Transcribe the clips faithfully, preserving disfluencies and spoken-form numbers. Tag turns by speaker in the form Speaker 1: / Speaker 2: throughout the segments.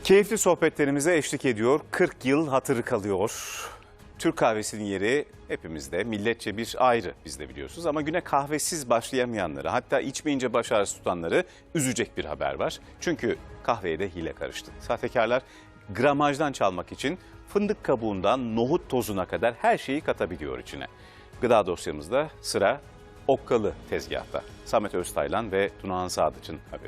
Speaker 1: Keyifli sohbetlerimize eşlik ediyor. kırk yıl hatırı kalıyor. Türk kahvesinin yeri hepimizde, milletçe bir ayrı, biz de biliyorsunuz. Ama güne kahvesiz başlayamayanları, hatta içmeyince baş ağrısı tutanları üzecek bir haber var. Çünkü kahveye de hile karıştı. Sahtekarlar gramajdan çalmak için fındık kabuğundan nohut tozuna kadar her şeyi katabiliyor içine. Gıda dosyamızda sıra okkalı tezgahta. Samet Öztaylan ve Tunahan Sadıç'ın haberi.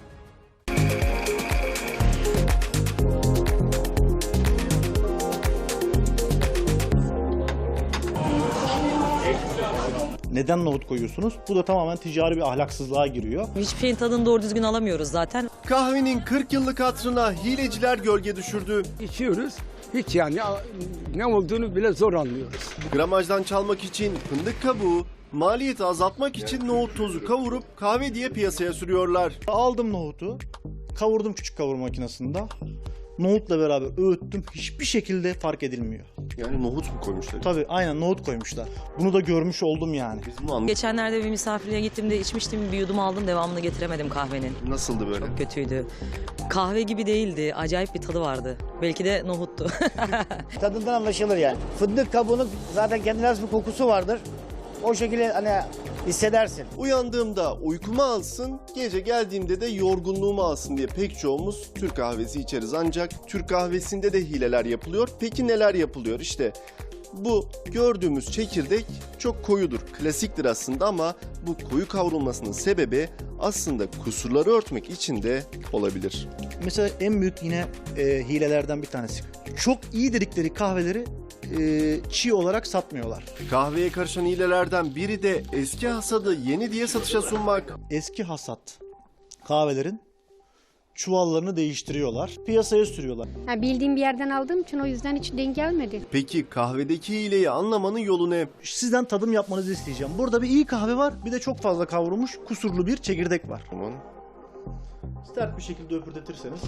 Speaker 2: Neden nohut koyuyorsunuz? Bu da tamamen ticari bir ahlaksızlığa giriyor.
Speaker 3: Hiçbir şeyin tadını doğru düzgün alamıyoruz zaten.
Speaker 4: Kahvenin kırk yıllık hatırına hileciler gölge düşürdü.
Speaker 5: İçiyoruz. Hiç yani ne olduğunu bile zor anlıyoruz.
Speaker 4: Gramajdan çalmak için fındık kabuğu, maliyeti azaltmak için nohut tozu kavurup kahve diye piyasaya sürüyorlar.
Speaker 2: Aldım nohutu, kavurdum küçük kavurma makinesinde. Nohutla beraber öğüttüm. Hiçbir şekilde fark edilmiyor.
Speaker 4: Yani nohut mu koymuşlar?
Speaker 2: Tabii aynen nohut koymuşlar. Bunu da görmüş oldum yani.
Speaker 4: Biz bunu anladık.
Speaker 3: Geçenlerde bir misafirliğe gittiğimde içmiştim, bir yudum aldım, devamını getiremedim kahvenin.
Speaker 4: Nasıldı böyle?
Speaker 3: Kötüydü. Kahve gibi değildi, acayip bir tadı vardı. Belki de nohuttu.
Speaker 6: Tadından anlaşılır yani. Fındık kabuğunun zaten kendine has bir kokusu vardır. O şekilde hani hissedersin.
Speaker 4: Uyandığımda uykumu alsın, gece geldiğimde de yorgunluğumu alsın diye pek çoğumuz Türk kahvesi içeriz. Ancak Türk kahvesinde de hileler yapılıyor. Peki neler yapılıyor? İşte bu gördüğümüz çekirdek çok koyudur. Klasiktir aslında ama bu koyu kavrulmasının sebebi aslında kusurları örtmek için de olabilir.
Speaker 2: Mesela en büyük yine e, hilelerden bir tanesi. Çok iyi dedikleri kahveleri e, çiğ olarak satmıyorlar.
Speaker 4: Kahveye karışan hilelerden biri de eski hasadı yeni diye satışa sunmak.
Speaker 2: Eski hasat kahvelerin çuvallarını değiştiriyorlar. Piyasaya sürüyorlar.
Speaker 7: Ha, bildiğim bir yerden aldığım için o yüzden hiç denk gelmedi.
Speaker 4: Peki kahvedeki hileyi anlamanın yolu ne?
Speaker 2: Sizden tadım yapmanızı isteyeceğim. Burada bir iyi kahve var, bir de çok fazla kavrulmuş kusurlu bir çekirdek var.
Speaker 4: Aman.
Speaker 2: Sert bir şekilde öpürdetirseniz.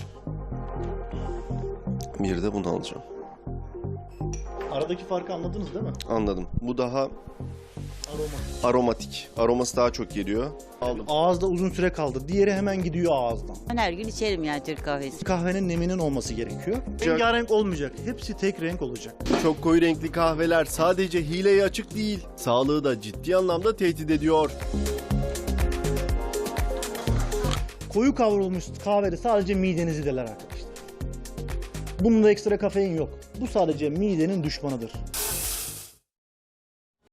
Speaker 4: Bir de bunu alacağım.
Speaker 2: Aradaki farkı anladınız değil mi?
Speaker 4: Anladım. Bu daha
Speaker 2: Aroma.
Speaker 4: aromatik. Aroması daha çok geliyor. Aldım.
Speaker 2: Ağızda uzun süre kaldı. Diğeri hemen gidiyor ağızdan.
Speaker 8: Ben her gün içerim yani Türk kahvesi.
Speaker 2: Kahvenin neminin olması gerekiyor. Rengarenk olmayacak. Hepsi tek renk olacak.
Speaker 4: Çok koyu renkli kahveler sadece hileye açık değil, sağlığı da ciddi anlamda tehdit ediyor.
Speaker 2: Koyu kavrulmuş kahvede sadece midenizi deler arkadaşlar. Bunda ekstra kafein yok. Bu sadece midenin düşmanıdır.